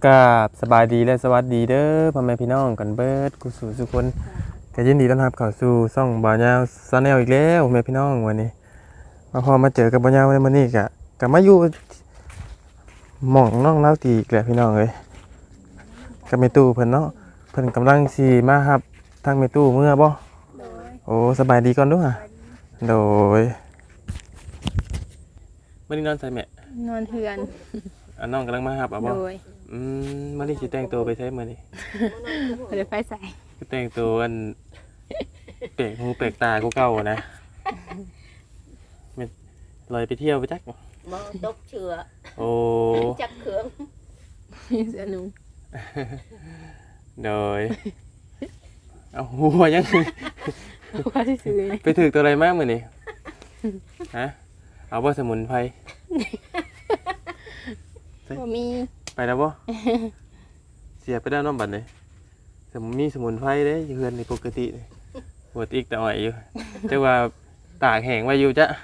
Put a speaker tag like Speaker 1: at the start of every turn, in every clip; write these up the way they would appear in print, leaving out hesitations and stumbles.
Speaker 1: กราบสบายดีและสวัสดีเด้อพ่อแม่พี่น้องกันเบิดกุศลทุกคนก็ยินดีต้อนรับเข้าสู่ช่องบ่าวยาวซาแนลอีกแล้วพ่อแม่พี่น้องวันนี้พอมาเจอกับบ่าวยาวในมื้อนี้ก็มาอยู่หม่องน้องเล่าตีอีกแล้วพี่น้องเอ้ยกับแม่ตู้เพิ่นเนาะเพิ่นกำลังสิมารับทางแม่ตู้เมื่อบ่โอ้สบายดีก่อนเด้อฮะโดยมื้อนี้นอนใส่แม่
Speaker 2: นอนเทือน
Speaker 1: น้องกำลังมารับบ่
Speaker 2: โดย
Speaker 1: มื้อนี้สิแต่งตัวไปใช้มื้อนี้
Speaker 2: เปิดไฟใส่
Speaker 1: ก็แต่งตัวอันเปลกหูเปลกตากูเก่านะมันลอยไปเที่ยวไปจัก
Speaker 3: บ่ตกเชื้อ
Speaker 1: โอ้
Speaker 3: จักเครื่อง
Speaker 2: มีเสื้อหนุ่ม
Speaker 1: โดยเอาหัวยัง
Speaker 2: ว่าที่ซื้อ
Speaker 1: ไปถึกตัวอะไรมากมือนี่ฮะเอาบ่สมุนไพร
Speaker 2: บ่มี
Speaker 1: ไปแล้วบ่เสียไปได้น้องบัดเลยมีสมุนไพรเด้อยู่เฮือนในปกติเลยปวดอีกแต่อ่อยอยู่แต่ว่าตากแห้งไว้อยู่จ้ะ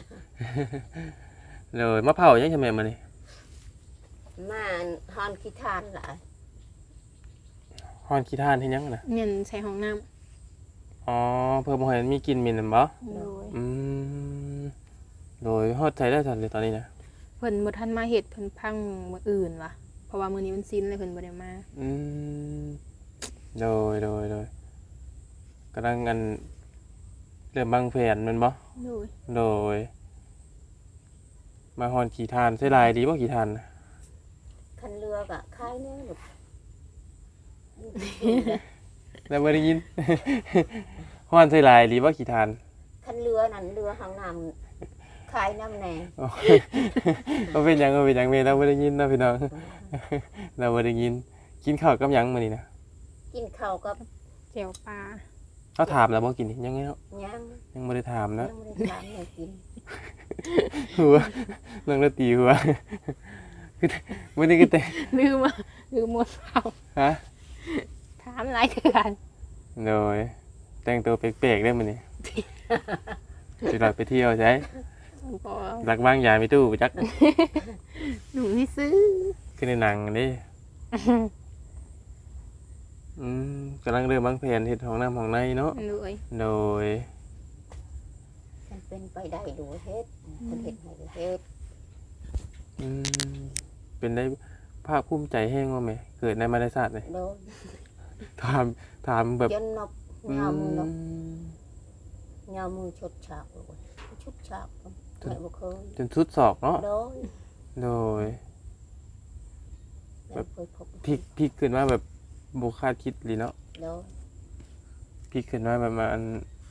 Speaker 1: เลยมะเผายังใช่ไหมมื้อนี้
Speaker 3: มาฮอนขี้ทานหลาย
Speaker 1: ฮ้อนขี้ท่านเฮ็ดหยังน่ะ
Speaker 2: เงินใส่ห้องน้
Speaker 1: อ๋อเพิ่มบ่ให้มันมีกลิ่นเหม็นนั่นบ่
Speaker 2: ำโดย
Speaker 1: อืมโดยฮอดใช้ได้ทันเลยตอนนี้นะ
Speaker 2: เพิ่นบ่ทันมาเฮ็ดเพิ่นพังมื้ออื่นว่ะเพราะว่ามื้อนี้มันสิ้นเลยเพิ่นบ่ได้มา
Speaker 1: อืมโดยกำลังกันเริ่มบางแผนแมันบ่
Speaker 2: โดย
Speaker 1: โดยมาฮอนขี่ทานใช้ลายดีบ่ขี่ทานน่ะ
Speaker 3: คันเรือก็คายแน่ลูก
Speaker 1: แล้วบ่ได้ยิน ฮอนใช้ลายดีบ่ขี่ทาน
Speaker 3: คันเรือนั่นเรือห้องน้ำคายน้ำแน่
Speaker 1: อ๋อบ่เป็นหยังแม่เราบ่ได้ยินนะพี่น้อง เราบ่ได้ยินกินข้าวกับหยังมื้อนี้นะ
Speaker 3: กินข้าวกับ
Speaker 2: แจ่วปลา
Speaker 1: เขาถามแล้วบ่กินนี่ยังไงเนาะ
Speaker 3: ย่าง
Speaker 1: ยังบ่ได้ถามนะ
Speaker 3: ยังไม่ได้ทานเลยกิน
Speaker 1: หัวนั่งแล้วตีหัว คือมื้อนี้ก็แต่
Speaker 2: ลืมหมดเปล่า
Speaker 1: ฮะ
Speaker 2: ถามหลายเทื่อน
Speaker 1: โดยแต่งตัวเป๊กๆได้มื้อนี้ สิหลักไปเที่ยวใช่
Speaker 2: บ่
Speaker 1: หลักบ้างยายมีตู้ไปจัก
Speaker 2: หนูไม่ซื้อ
Speaker 1: ขึ้นในหนังนี่กำลังเริ่มวางแผนเฮ็ดห้องน้ำห้องในเนาะ
Speaker 2: โดย
Speaker 1: โดย
Speaker 3: มันเป็นไปได้ดูเฮ็ดคนเฮ็ดให้ดูเฮ็ด
Speaker 1: อืมเป็นได้ภาคภูมิใจแห้งว่าแม่เกิดในมารศาสตร์เลย
Speaker 3: โดน
Speaker 1: ถามแบบ
Speaker 3: จนนก
Speaker 1: อื
Speaker 3: ยาวมือนก
Speaker 1: ม
Speaker 3: ยาวมือชดฉากเลยชุดฉากไม่บ่เคย
Speaker 1: จนสุดศอกเนาะ
Speaker 3: โดน
Speaker 1: โดย
Speaker 3: ไม่เคยพบ
Speaker 1: พลิกขึ้นมาแบบบ่คาดคิดเลยเนาะ
Speaker 3: โดน
Speaker 1: พลิกขึ้นมาแบบมัน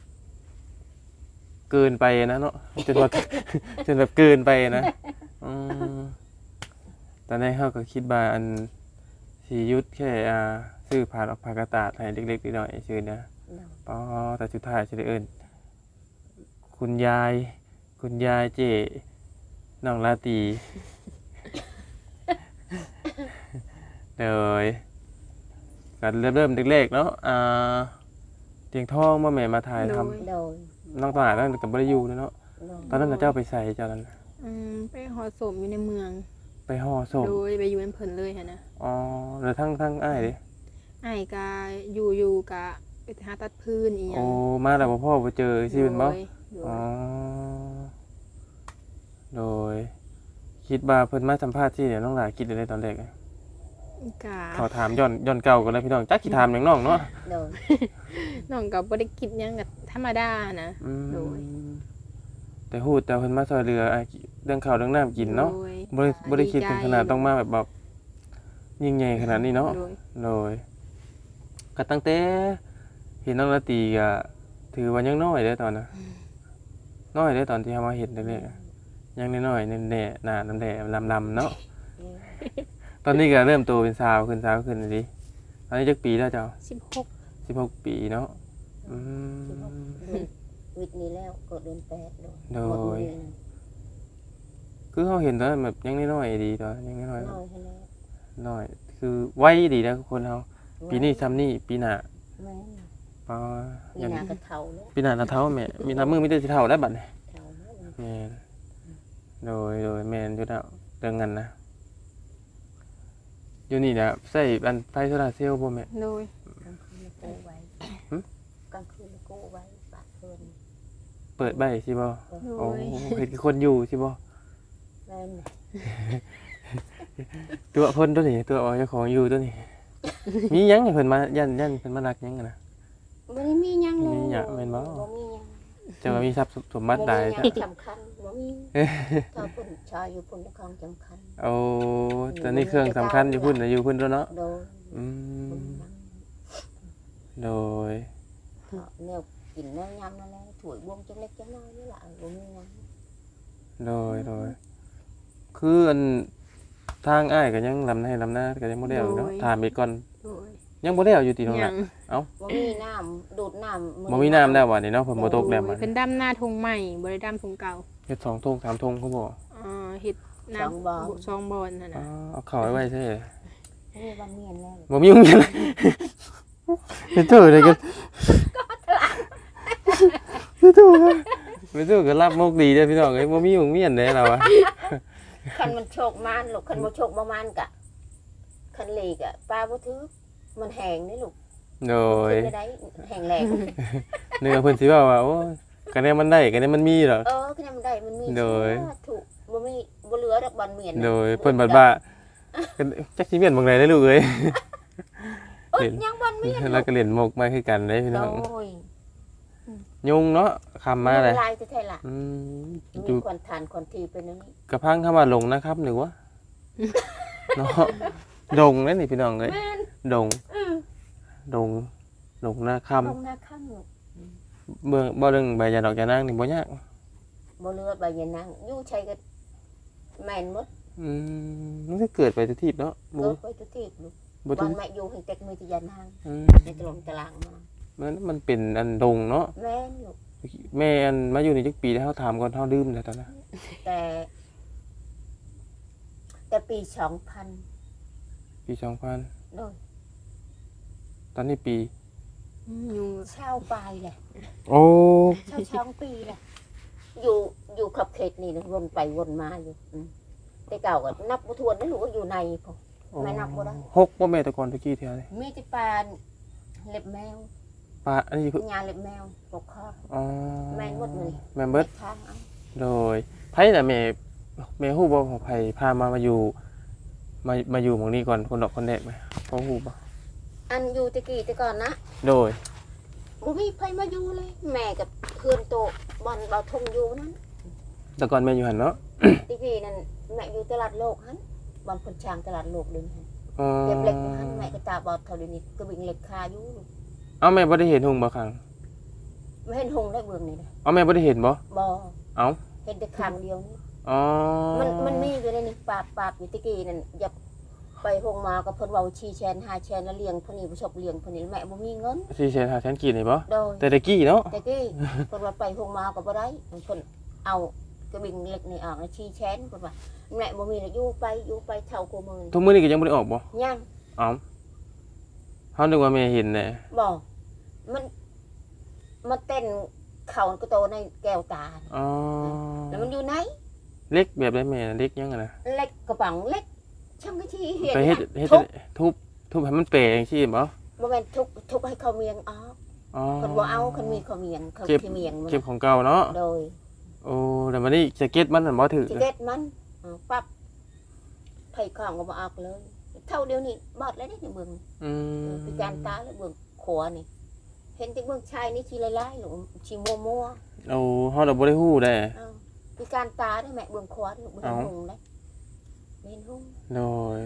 Speaker 1: เกินไปนะเนาะจนว่า จนแบบเกินไปนะอืมตอนแรกเขาก็คิดว่าอันสียุทธแค่ซื้อผ่านออกผ่ากระตาดให้เล็กๆน้อยๆชื่อนะอ๋อแต่สุดท้ายจะได้เอิ้นคุณยายเจน้องลาตี เลยก็เริ่มเล็กๆเนาะเตียงทองมาแม่มาถ่ายทำ
Speaker 3: โดน
Speaker 1: น้องตลาดนั่นกับบริยูเนาะ
Speaker 3: โดน
Speaker 1: ตอนนั้นน่ะเจ้าไปใส่เจ้านั้น
Speaker 2: ไปหอศพอยู่ในเมือง
Speaker 1: ไปห่อศพ
Speaker 2: โดยไปอยู่ในเพิ่นเลยหั่นนะ
Speaker 1: อ๋อแล้วทั้งอ้ายดิ
Speaker 2: อ้ายก็อยู่กะไปหาตัดพื้นอีหยั
Speaker 1: โอ้
Speaker 2: ง
Speaker 1: มาแล้วบ่พ่อบ่เจอสิเป็นบ่
Speaker 2: โดย
Speaker 1: อ๋อโดยคิดว่าเพิ่นมาสัมภาษณ์ที่เดี๋ยวน้องหลายคิดได้ตอนแรกอะ
Speaker 2: กะ
Speaker 1: ขอถามย้อนเก่าก่อนเลยพี่น้องจักสิถามหยังน้องเนาะ
Speaker 3: โดน
Speaker 2: น้องก็บ่ได้คิดหยังก็ธรรมดานะ
Speaker 1: อืม
Speaker 2: โดย
Speaker 1: แต่ฮู้แต่เพิ่นมาช่วยเหลือเรื่องข้าวเรื่องน้ำกินเนาะ
Speaker 2: โดย
Speaker 1: บ่ได้คิดถึงขนาดต้องมาแบบยิ่งใหญ่ขนาดนี้เนาะ
Speaker 2: โดย
Speaker 1: โดยก็ตั้งแต่เห็นน้องละตีก็ถือว่ายังน้อยเด้อตอนน่ะน้อยเด้อตอนที่เฮามาเห็นแรกๆอะยังน้อยๆแน่ๆหน้าน้ำแดงลำๆเนาะตอนนี้ก็เริ่มโตเป็นสาวขึ้นดิตอนนี้จักปีแล้วเจ้า
Speaker 2: 16
Speaker 1: 16 ปีเนาะอืม
Speaker 3: วิทย์นี้แล้วก็เดือนแปดโดน
Speaker 1: โดย
Speaker 3: หมเดือน
Speaker 1: คือเฮาเห็นตอนนั้นแบบยังน้อยๆดีตอนยังน้อย
Speaker 3: น้อยให้แล้ว
Speaker 1: ๆน้อยคือไว้ดีนะคนเฮาปีนี้ซ้ำนี่ปีหน้า
Speaker 3: แม่
Speaker 1: ปา
Speaker 3: มีนากระเทาแล้ว
Speaker 1: ปีหน้าหน้าเท่าแม่มีน้ำมือมีแต่สิเท่าได้บัดนี้
Speaker 3: เทาแล้ว
Speaker 1: แม่นโดยแม่นอยู่แล้วเรื่องนั้นนะอยู่นี่นะใส่อันไฟโซลาร์เซลล์บ่แม่
Speaker 2: โดย
Speaker 3: กลางคืนแล้วกู้ไว้กลางคืนแล้วกู้ไว้ปากเพิ่น
Speaker 1: เปิดใบสิบ่
Speaker 2: โด
Speaker 1: โอ้
Speaker 2: ย
Speaker 1: เห็นคนอยู่สิบ่
Speaker 3: แม่นน่ะ
Speaker 1: ตัวเพิ่นตัวนี้ตัวเอาเจ้าของอยู่ตัวนี้ มีหยังให้เพิ่นมายันเพิ่นมารักหยังกันนะ
Speaker 3: บ่ได้มีหยังเลย
Speaker 1: มีหยังแม่นบ่
Speaker 3: บ่มีหยัง
Speaker 1: จะว่ามีทรัพย์สมบัติใด
Speaker 3: บ่มีห
Speaker 1: จ้ะ
Speaker 3: ยังสำคัญบ่มีถ้าเพิ่นชายอยู่เพิ่นก็ของสำคัญ
Speaker 1: โอ้ตอนนี้เครื่องสำคัญอยู่พุ่นน่ะอยู่พุ่นแล้วเนาะ
Speaker 3: โดย
Speaker 1: อื
Speaker 3: เพิ่น
Speaker 1: ม
Speaker 3: นั่ง
Speaker 1: โดย
Speaker 3: เถาะแนวกินแนวยำนั่นแหละถ้วยบวงจังเล็กจังน้อยนี่ล่ะบ่มีหยัง
Speaker 1: โดยคืออันทางอ้ายก็ยังลำหน้าก็ยังบ่ได้เอาเนาะถามอีกก่อน
Speaker 2: โดย
Speaker 1: ยังบ่ได้เอาอยู่ติตรง
Speaker 2: ยั
Speaker 1: นั้น
Speaker 2: ง
Speaker 3: บ่มีน้ำดูดน้ำ
Speaker 1: บ่มีน้ำแล้ววันนี้เนาะฝนบ่ตกแล้ว
Speaker 2: โด
Speaker 1: บั
Speaker 2: ย
Speaker 1: ด
Speaker 2: เป็นดำหน้าทงใหม่บ่ได้ดำทงเก่า
Speaker 1: เฮ็ด2 ธง 3 ธงเขาบอก
Speaker 2: เฮ็ดน้ำซองบอลนั่น
Speaker 1: อ๋อ
Speaker 2: น่ะ
Speaker 1: เอาเข้าไว้ใช่
Speaker 3: มีบางเมียนแล้ว
Speaker 1: บ่มีโรงเรียนเลยไม่ถูกเลยกันไม่ถูกอะไม่ถูกก็รับมุกดีเด้อพี่น้องเอ้ยบ่มีโรงเรียนเด้เราอะ
Speaker 3: คันมันโชคมานลูกคันบ่โชคบ่มานกะคันเลกอะป้าบ่ถือมันแห้งนี่ลูก
Speaker 1: โดย
Speaker 3: ขึ้นไม่ได้แห้งแรง
Speaker 1: เนื้อเพิ่นสิว่าว่าโอ้ยคะแนนมันได้คะแนนมันมีดอก
Speaker 3: คะแนนมันได้มันมี
Speaker 1: โดย
Speaker 3: ถูกบ่มีบ่เหลือดอกบอลเมียนน่ะ
Speaker 1: โดยเพิ่นบัดว่าจักสิเมียนบางใดได้ลูกเอ้ย
Speaker 3: เอ้ยยังบอลเมียน
Speaker 1: แล้วก็เล่นมุกมาคือกันเด้พี่น้อง
Speaker 3: โอ้ย
Speaker 1: ยุงเนาะคำมาเลย
Speaker 3: ลายจะแท้ล่ะ
Speaker 1: อืม
Speaker 3: มี
Speaker 1: อยู่
Speaker 3: คนทานคนทีเป็นอันนี้
Speaker 1: กระพังเข้ามาลงนะครับหรือว่าเนาะดงนั่นนี่พี่น้องเอ้ย
Speaker 3: แม่น
Speaker 1: ดง
Speaker 3: อือ
Speaker 1: ดงดงนาค
Speaker 3: ลงหน้าข้างลูก
Speaker 1: ำเบิ่งบ่เรื่องใบยาดอกยานางนี่บ่ยาก
Speaker 3: บ่เหลือใบยะนางอยู่ใช้ก็แม่นหมด
Speaker 1: มันก็เกิดไปทุกทีเนาะบ่
Speaker 3: เกิดไปทุกทีลูก
Speaker 1: บ่
Speaker 3: บ
Speaker 1: ทุ
Speaker 3: อก ลแม่อยู่ให้เต็กมือที่ยะนาง
Speaker 1: อืม
Speaker 3: ในตรงตารางมา
Speaker 1: มันเป็นอันดงเนาะ
Speaker 3: แม่นลูก
Speaker 1: แม่อันมาอยู่นี่จักปีแล้วเฮาถามก่อนเฮาดื่มแต่ตอนนั้น
Speaker 3: แต่ปี2000
Speaker 1: ปี
Speaker 3: โดย
Speaker 1: 2000ตอนนี้ปี
Speaker 2: ยุง
Speaker 3: เช่าปลายแหละ
Speaker 1: โอ้
Speaker 3: ช่องปีแหละอยู่ขับเขตนี่นะวนไปวนมาอยู่แต่เก่าก็นับบ่ทวนนั่นลูกก็อยู่ในพอ ไม่นับบ่ได้
Speaker 1: หกบ่แม่แต่ก่อนตะกี้เท่าไหร่
Speaker 3: มีที่ปลาเล็บแมว
Speaker 1: ปลาอันนี้คือ
Speaker 3: ญาเล็บแมวปกคอ
Speaker 1: อ๋อ
Speaker 3: แม่นหมดเลย
Speaker 1: แม่นเบิด
Speaker 3: ทางเอา
Speaker 1: โดยไผน่ะแม่ฮู้บ่ว่าไผพามาอยู่มาอยู่หม้องนี้ก่อนคนดอกคนแรกไหมพอฮู้บ่
Speaker 3: อันอยู่ตะกี้แต่ก่อนนะ
Speaker 1: โดย
Speaker 3: บ่มีไผมาอยู่เลย แม่กับเพื่อนโตบอลเบาทงอยู่นั้น
Speaker 1: แต่ก่อนแม่อยู่หั่นเนาะ
Speaker 3: ตะกี้นั่นแม่อยู่ตลาดโลกหันบอลคนช้างตลาดโลกเดินหัน
Speaker 1: อ๋อ
Speaker 3: เก็บเหล็กอยู่หันแม่ก็ตาบอดเท่าเดี๋ยวนี้ก็บิ่งเหล็กคาอยู่
Speaker 1: เอ้าแม่บ่ได้เห็นหุ่งบ่ครั้ง
Speaker 3: ไม่เห็นหงได้เบิ่งนี่นะ
Speaker 1: เอ้าแม่บ่ได้เห็นบ่
Speaker 3: บ่
Speaker 1: เอ้า
Speaker 3: เห็นแต่ครั้งเดียวนี่
Speaker 1: อ๋อ
Speaker 3: มันมีอยู่ในนี้ปาบอยู่ตะกี้นั่นอย่าไปหงมากับเพิ่นเว้าชีแชน5แชนแล้วเลี้ยงเพิ่นนี่บ่ชอบเลี้ยงเพิ่นนี่แม่บ่มีเงิน
Speaker 1: 4,500,000กีบนี่บ่
Speaker 3: โดย
Speaker 1: แต่ตะกี้เนาะ
Speaker 3: ตะกี้เพิ่นว่าไปหงมาก็บ่ได้เพิ่นเอากระบิ่งเหล็กนี่ออกแล้วชีแชนเพิ่นว่าแม่บ่มีแล้วอยู่ไปเท่ากูมือ
Speaker 1: ทุกมื้อนี้ก็ยังบ่ได้ออกบ่
Speaker 3: ยัง
Speaker 1: เอ้าเฮานึกว่าแม่เห็นแหละ
Speaker 3: บ่มันเต้นเข่าก็โตในแก้วตา
Speaker 1: อ๋อ
Speaker 3: แล้วมันอยู่ไหน
Speaker 1: เล็กแบบได้แม่เล็กยังอะนะ
Speaker 3: เล็กกระป๋องเล็กช่างก็ที่เห็น
Speaker 1: ไปเฮ็ด
Speaker 3: ทุบ
Speaker 1: ทุบให้มันเป๋จังซี่บ่
Speaker 3: บ่แม่นทุบให้เขาเมียงออก
Speaker 1: อ๋อ
Speaker 3: คนบ่เอาคนมีเขาเมียงเขา
Speaker 1: เก็บ
Speaker 3: ที่เมียงมัน
Speaker 1: เก็บของเก่าเนาะ
Speaker 3: โดย
Speaker 1: โอ้แต่วันนี้แจ็คเก็ตมันนั่นบ่ถือ
Speaker 3: จิเก็ตมันปั๊บไผของก็บ่ออกเลย เท่าเดียวนี่บอดเลยได้ในเบิ่ง
Speaker 1: อืม
Speaker 3: พิการตาแล้วเบิ่งขวานี่ เห็นแต่เบิ่งชายนี่ชีลายๆหรือชีมัว
Speaker 1: โอ้เฮาดอกบ่ได้ฮู้ได้
Speaker 3: ๆพิการตาได้แม่เบิ่งขวาเบิ่งหงได้เห็นหง
Speaker 1: โดย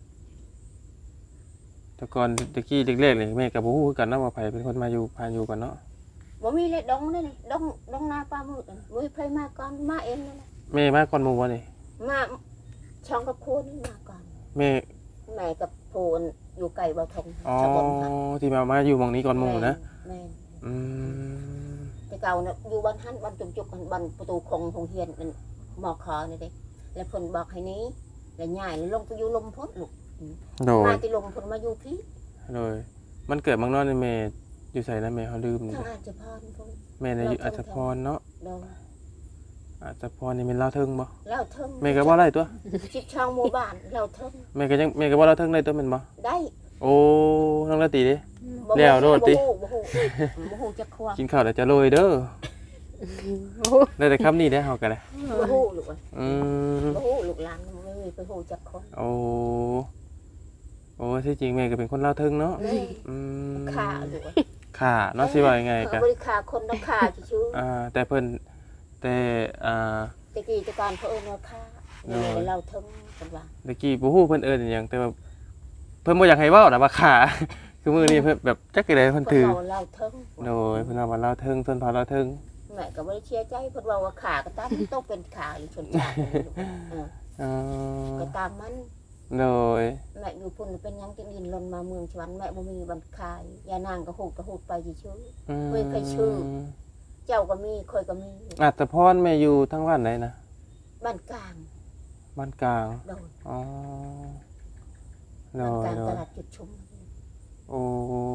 Speaker 1: แต่ก่อนตะกี้เล็กๆนี่แม่ก็บ่ฮู้คือกันนะว่าไผเป็นคนมาอยู่พาอยู่กันเนาะ
Speaker 3: บ่มีเลยดงเลยดงนาปลาหมึกบ่มีไผมาก่อนมาเองนั่นแหละ
Speaker 1: แม่มาก่อนหมู่บ่นี่
Speaker 3: มาช่องกับโคนมาก่อน
Speaker 1: แม่
Speaker 3: แม่กับโพนอยู่ไกลบ่ทง
Speaker 1: อ๋อ
Speaker 3: ชะบนค่ะ
Speaker 1: ที่มาอยู่หม่องนี้ก่อนหมู่นะ
Speaker 3: แม่น
Speaker 1: อืม
Speaker 3: แต่เก่าน่ะอยู่บ้านหันบ้านจุกๆกันบ้านประตูคงโรงเรียนนั่นหมอคอนี่เด้แล้วเพิ่นบอกให้หนี้แล้วย้ายแล้วลงไปอยู่ลมพ้นลูก
Speaker 1: โดย
Speaker 3: มาที่ลมพ้นมาอยู่พี่
Speaker 1: โดยมันเกิดเมืองนอกนี่แม่อยู่ไสนะแม่เฮาลืม
Speaker 3: ทางอาจจะพรพุ่น
Speaker 1: แม่น่ะอยู่อัศพรเนาะ
Speaker 3: โดน
Speaker 1: อาจจะพอนี่เป็นลาวเทิงบ่
Speaker 3: แล้วเทิง
Speaker 1: แม่ก็บ่ได้ตัว
Speaker 3: ชิดช่องหมู่บ้านแล้วเทิง
Speaker 1: แม่ก็บ่ลาวเทิงได้ตัวแม่นบ่
Speaker 3: ได้
Speaker 1: โอ้น้องละตีดิ
Speaker 3: บ่
Speaker 1: แล้วโลดติ
Speaker 3: บ่ฮู้จักควง
Speaker 1: กินข้าวแล้วจะโรยเด้อ
Speaker 2: โอ้โห
Speaker 1: ได้แต่คำนี้ได้เฮาก็ได้
Speaker 3: บ่ฮู้ลูกเอ้ย
Speaker 1: อืม
Speaker 3: บ่ฮู้ลูกหลานบ่มีไปฮู้จักคน
Speaker 1: โอ้โอ้ที่จริงแม่ก็เป็นคนลาวเทิงเนาะ
Speaker 3: นี่
Speaker 1: อืม
Speaker 3: ฆ่าลูกเอ้ย
Speaker 1: ค่ะเนาะสิว่ายังไงกะ
Speaker 3: บ่ได้ฆ่าคนต้องฆ่าชื่อ
Speaker 1: แต่เพิ่นแต่
Speaker 3: ตะกี้ตะการเพิ่นว่าฆ่านี่เราเทิงเพิ่นว่า
Speaker 1: ตะกี้บ่ฮู้เพิ่นเอิ้นอิหยังแต่ว่าเพิ่นบ่อยากให้เว้านะว่าค่ะ คือมื้อนี้เพิ่นแบบจักได๋เพิ่นถือ
Speaker 3: เพิ่นว่าเราเทิง
Speaker 1: โดยเพิ่นว่าลาวเทิงชนเผ่าลาวเทิง
Speaker 3: แม่ก็บ่ได้เชื่อใจเพิ่นว่าฆ่าก็ตามต้องเป็นฆ่าหรือชนชาติลูกเออ
Speaker 1: อ๋อ
Speaker 3: ก็ตามมัน
Speaker 1: โดย
Speaker 3: แม่อยู่พุ่นเป็นหยังจังดินลนมาเมืองสวรรค์แม่บ่มีบันคายยานางก็ฮูดไปชื่อ เฮ้ยใครชื่อ เจ้าก็มีค่อยก็มี
Speaker 1: อัตภพรแม่อยู่ทั้งบ้านไหนนะ
Speaker 3: บ้านกลาง
Speaker 1: บ้านกลาง
Speaker 3: โดน
Speaker 1: อ๋อโด
Speaker 3: บ้าน
Speaker 1: ย
Speaker 3: กลาง
Speaker 1: โดย
Speaker 3: ตลาดจุดชุม
Speaker 1: โอ้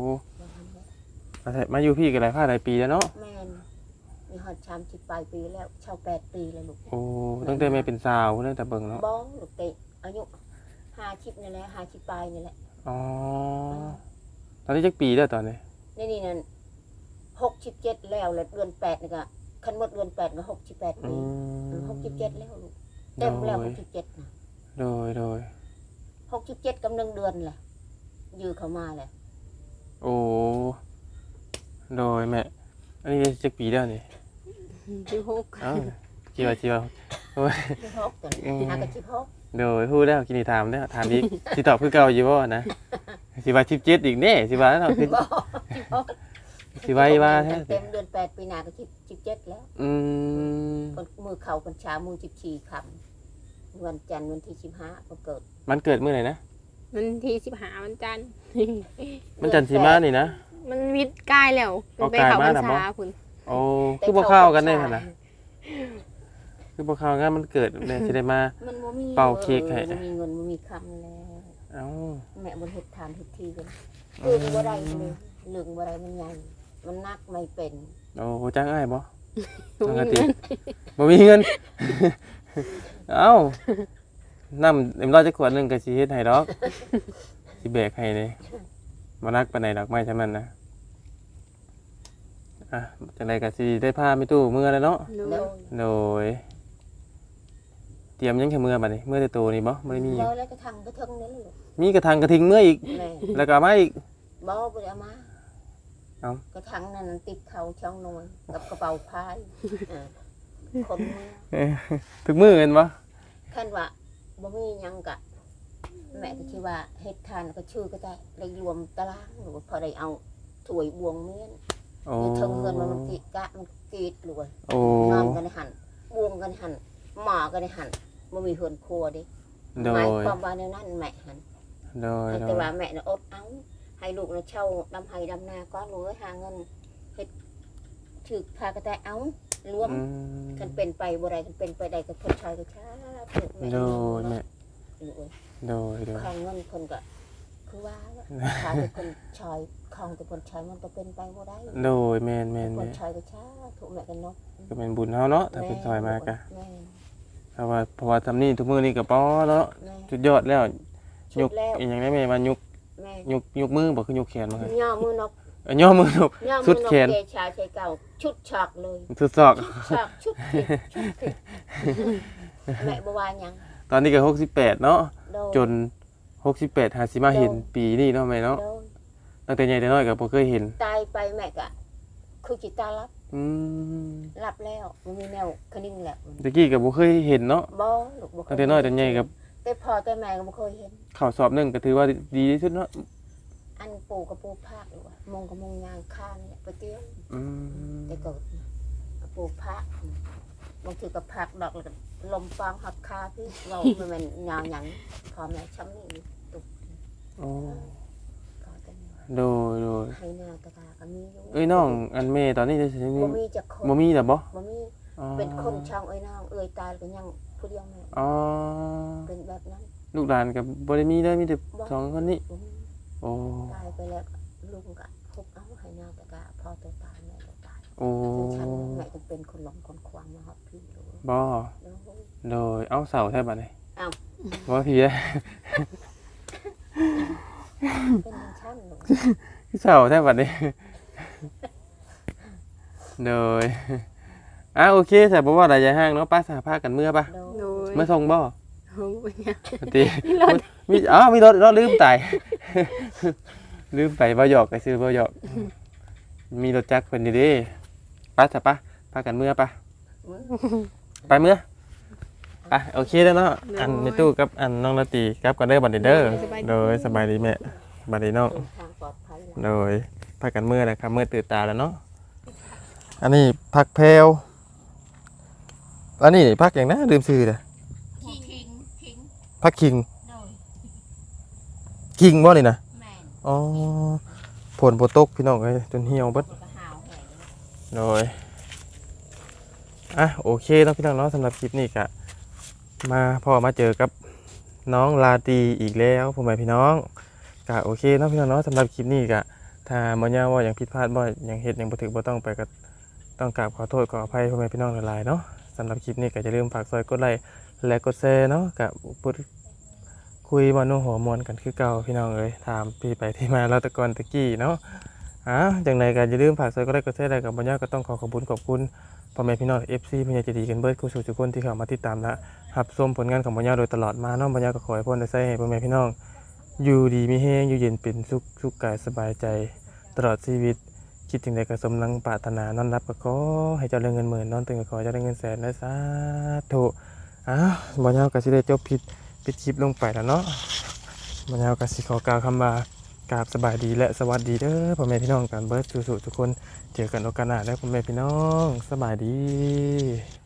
Speaker 1: มาอยู่พี่ก็หลายหลายปีแล้วเนาะ
Speaker 3: แม่นมีฮอด30ปลายปีแล้วชาว8ปีแล้วลูก
Speaker 1: โอ้ตั้งแต่แม่เป็นสาวตั้งแต่เบิ่งเนาะ
Speaker 3: บ้องลูกเตะอายุ50นี่แหละ50ปลายนี่แหละ
Speaker 1: อ๋อตอนนี้จักปีแล้วตอนนี้
Speaker 3: นี่นั่น67แล้วเดือน8นี่ก็คันหมดเดือน8ก็68
Speaker 1: อื
Speaker 3: ปี
Speaker 1: ม
Speaker 3: 67แล้วลูกเต็มแล้ว67นะ
Speaker 1: โดย
Speaker 3: 67กำลังเดือนแหละยื้อเข้ามาแหละ
Speaker 1: โอ้โดยแม่อันนี้จักปีแล้วนี่
Speaker 2: 16
Speaker 1: อ้าวจีว่าโอ้ย
Speaker 3: 16ตัวนี้หากะ16
Speaker 1: โดยพูดแล้วกินนี่ถามแล้วถามอีกสิตอบคือเก่าอยู่บ่นะสิว่า17อีกแน่สิว่าเนาะคือ
Speaker 3: บ่
Speaker 1: สิว่าอีว่าแท้
Speaker 3: เต็มเดือน8ปีหน้าก็17แล้ว
Speaker 1: อืม
Speaker 3: มือเขาพรรษามือ14ค่ำวันจันทร์วันที่15ก็เกิด
Speaker 1: มันเกิดมื้อไหนนะ
Speaker 2: มันที่15วันจันทร์
Speaker 1: มันจันทร์สีมานี่นะ
Speaker 2: มันวิทย์กายแล้ว
Speaker 1: เอา
Speaker 2: ไป
Speaker 1: กาย
Speaker 2: เขา
Speaker 1: มา
Speaker 2: พรร
Speaker 1: น่ะบ่
Speaker 2: ษาพุ่น
Speaker 1: โอ้คือบ่เข้ากันได้หั่นน่ะคือบ่เข้ากันมันเกิดเนี่ยสิได้มา
Speaker 3: มันบ่มี
Speaker 1: เป่าเค้กให้
Speaker 3: บ่มีเงินบ่มีคำแล้ว
Speaker 1: เอ้า
Speaker 3: แม่บ่เฮ็ดทานเฮ็ดทีกันบ่ได้เลยเรื่องบ่ได้มันใหญ่มันนักไม่เป็น
Speaker 1: โอ้จ้างอ้ายบ่ปกติบ่มีเงิน เอ้าน้ำเอ็มร้อยจักขวดหนึงก็สิเฮ็ดให้ดอกสิแบกให้นี่บ่นักปานใดดอกไม้ซั่นนั้นนะจังไดก็สิได้พามีตู้เมื่อแล้วเนาะ
Speaker 3: แล้ว
Speaker 1: โดยเตรียมยังแค่เมื่อบัดนี้เมื่อแต่โตนี่บ่บ่ได้มีหยัง
Speaker 3: บ่แล้วก็ทางกระเทิงนั่นลูก
Speaker 1: มีกระทังกระทิงเมื่ออีก
Speaker 3: แม่
Speaker 1: แล้วก็เอามาอีก
Speaker 3: บ่บ่ได้เอามา
Speaker 1: เอ้า
Speaker 3: กระทังนั้นติดเขาช่องนอนกับกระเป๋าพายคนเมือง
Speaker 1: ทุกมื้อเห็นบ่
Speaker 3: คันว่าบ่มีหยังกะ แม่ก็คิดว่าเฮ็ดทานก็ชื่อก็ได้ได้รวมตารางหรือว่าพอได้เอาถ้วยบวงเมียน
Speaker 1: โอ้
Speaker 3: อยู่เทิงเงินมันติกะมันกีดรวย
Speaker 1: โอ้
Speaker 3: นอนกันในหันบวงกันในหันหมากันในหันบ่มีเฮือนครัวเดิ
Speaker 1: โด
Speaker 3: หมาย
Speaker 1: ย
Speaker 3: ความว่าในนั้นแม่หัน
Speaker 1: โดย
Speaker 3: แต่ว่าแม่น่ะอดเอาให้ลูกน่ะเช่าดำไห้ดำนาก้อนรวยหาเงินเฮ็ดถึกพากระแตเอารวม
Speaker 1: อืม
Speaker 3: กันเป็นไปบ่ได้กันเป็นไปได้ก็เพิ่นชายก็ช้าเพิ่นแม่
Speaker 1: โดยแม่
Speaker 3: ลูกเอ้ย
Speaker 1: โดย
Speaker 3: ข้างเงินคนก็คือว่าแล้วถ้าเป็นคนชายของแต่คนชายมันก็เป็นไปบ่ได้
Speaker 1: โดยแม่น
Speaker 3: ค
Speaker 1: แม่
Speaker 3: นชายก็ช้าถูกแม่กันเนาะ
Speaker 1: ก็เป็นบุญเฮาเนาะถ้าเป็นซอยมากะ
Speaker 3: แม่
Speaker 1: เพราะว่าทำนี่ทุกมื้อนี่ก็พอเนาะ
Speaker 3: แม่
Speaker 1: สุดยอดแล้ว
Speaker 3: ชุ
Speaker 1: ย
Speaker 3: ด
Speaker 1: ก
Speaker 3: แล้ว
Speaker 1: อีหยังได้แม่ว่ายก
Speaker 3: แม่
Speaker 1: ยกมือบ่คือยกแขนบ่คือ
Speaker 3: ย่อมือนก
Speaker 1: ย่อมือนก
Speaker 3: ย่อ
Speaker 1: ชุ
Speaker 3: มื
Speaker 1: ด
Speaker 3: อนก
Speaker 1: แขน
Speaker 3: เกชาใช้เก่าชุดฉากเลย
Speaker 1: สุดศอก
Speaker 3: ฉากชุดผิดชุดผิดแม่บ่ว่าหยัง
Speaker 1: ตอนนี้ก็68เนาะ
Speaker 3: โดน
Speaker 1: จน68หาสิมาเห็นปีนี้เนาะแม่เนาะ
Speaker 3: โดน
Speaker 1: ตั้งแต่ใหญ่แต่น้อยก็บ่เคยเห็น
Speaker 3: ตายไปแม่ก็คือจิตตารับ
Speaker 1: อืม
Speaker 3: รับแล้วมันมีแนวคนิ่งแล้ว
Speaker 1: ตะกี้ก็บ่เคยเห็นเนาะ
Speaker 3: บ่ลูกบ่เค
Speaker 1: ตั้งแต่น้อยแต่ใหญ่กับ
Speaker 3: แต่พ่อแต่แม่ก็บ่เคยเห็น
Speaker 1: ข้าวสอบหนึงก็ถือว่าดีที่สุดเนาะ
Speaker 3: อันปู่กับปู่ภาคหรือว่ามงกับมงยางข้างเนี่ยไปเตี้ยว
Speaker 1: อืม
Speaker 3: แต่เกิดปู่ภาคบางทีก็ภาคดอกแล้วก็ลมฟางหักคาพี่เรามันเป็นยาวหยังพอแม่ช้ำนี่ตุก
Speaker 1: โอ้
Speaker 3: พอแต่เนี่ย
Speaker 1: โดย
Speaker 3: ให้หน้าตะกาก็มีอยู่
Speaker 1: เอ้ยน้องอันแม่ตอนนี้จะสิมี
Speaker 3: บ่มีจักคน
Speaker 1: บ่มีแล้วบ่
Speaker 3: บ่มี
Speaker 1: อ๋อ
Speaker 3: เป็นคนช่างเอ้ยน้องเอ้ยตายก็ยังผู้เดียวแม่
Speaker 1: อ๋อ
Speaker 3: เป็นแบบนั้น
Speaker 1: ลูกหลานก็บ่ได้มีเลยมีแต่สองคนนี้
Speaker 3: บ่มี
Speaker 1: โอ้
Speaker 3: ตายไปแล้วลุงก็ฮุบเอาให้หน้าตะกาพอตัวตายแม่ตัวตาย
Speaker 1: โอ้
Speaker 3: ฉันแม่จะเป็นคนหลงคนควางนะครับพี่รู้
Speaker 1: บ่
Speaker 3: แล้ว
Speaker 1: โดยเอาเสาแทบบัดนี้
Speaker 3: เอ้า
Speaker 1: บ่พี่เด้
Speaker 3: เป็นชั้นหนู
Speaker 1: เสาแทบบัดนี้ โดยโอเคแต่บ่ว่าอะไรจะห้างเนาะป้าสหภาพกันเมื่อปะ
Speaker 3: โด
Speaker 2: โด
Speaker 3: ย
Speaker 2: ย
Speaker 1: เมื่อส่งบ่
Speaker 2: โอ้ยเนี่ย
Speaker 1: ตี
Speaker 2: มีรถ
Speaker 1: มีรถลืมตาย ลืมไปบ่หยอกไปซื้อบ่หยอกมีรถจักรเพิ่นอยู่เดิป้าจ้ะป้าพากันเมื่อปะไปเมื่อไปโอเคแล้วเนาะอันในตู้กับอันน้องละตีกับกันเด้อบัดนี้เด้อโดยสบายดีแม่บัดนี้น้อง
Speaker 3: เดินทางปลอดภัยแล้ว
Speaker 1: โดยพากันเมื่อนะครับเมื่อตื่นตาแล้วเนาะอันนี้ผักแพรวอันนี้ผักอย่างนะลืมชื่อเลย
Speaker 4: คิง
Speaker 1: ผักคิง
Speaker 4: โดย
Speaker 1: คิงบ่นี่นะ
Speaker 4: แม่น
Speaker 1: อ๋อผลโปตกพี่น้องเอ้ยจนเหี่ยวเบิด
Speaker 4: ก็หาวแหง
Speaker 1: โดยโอเคเนาะพี่น้องเนาะสำหรับคลิปนี้ก็มาเจอกับน้องลาตรีอีกแล้วพ่อแม่พี่น้องก็โอเคเนาะพี่น้องเนาะสำหรับคลิปนี้ก็ถ้าบ่ยาวว่าอย่างผิดพลาดบ่อย่างเฮ็ดอย่างบ่ถูกบ่ต้องไปก็ต้องกราบขอโทษขออภัยพ่อแม่พี่น้องหลายๆเนาะสำหรับคลิปนี้ก็อย่าลืมฝากซอยกดไลค์และกดแชร์เนาะก็พูดคุยมาโน้หัวมวนกันคือเก่าพี่น้องเอ้ยถามพี่ไปที่มาแล้วแต่ก่อนตะกี้เนาะจังไดก็อย่าลืมฝากซอยกดไลค์กดแชร์ได้กับบ่ยาวก็ต้องขอบคุณพ่อแม่พี่น้อง FC พญาเจดีกันเบิดคู่สู่ทุกคนที่เข้ามาติดตามและรับชมผลงานของบ่ยาวโดยตลอดมาเนาะบ่ยาวก็ขอให้พ้นได้ใช้ให้พ่อแม่พี่น้องอยู่ดีมีแฮงอยู่เย็นเป็นสุขกายสบายใจตลอดชีวิตคิดถึงใดก็สมดังปรารถนานอนรับก็ขอให้เจ้าเรื่องเงินหมื่นนอนตื่นก็ขอให้เจ้าได้เงินแสนและสาธุบ่ยาวก็สิได้จบปิดคลิปลงไปแล้วเนาะบ่ยาวก็สิขอกล่าวคำว่ากราบสบายดีและสวัสดีเด้อพ่อแม่พี่น้องกันเบิดสู่ทุกคนเจอกันโอกาสหน้าแล้วพ่อแม่พี่น้องสบายดี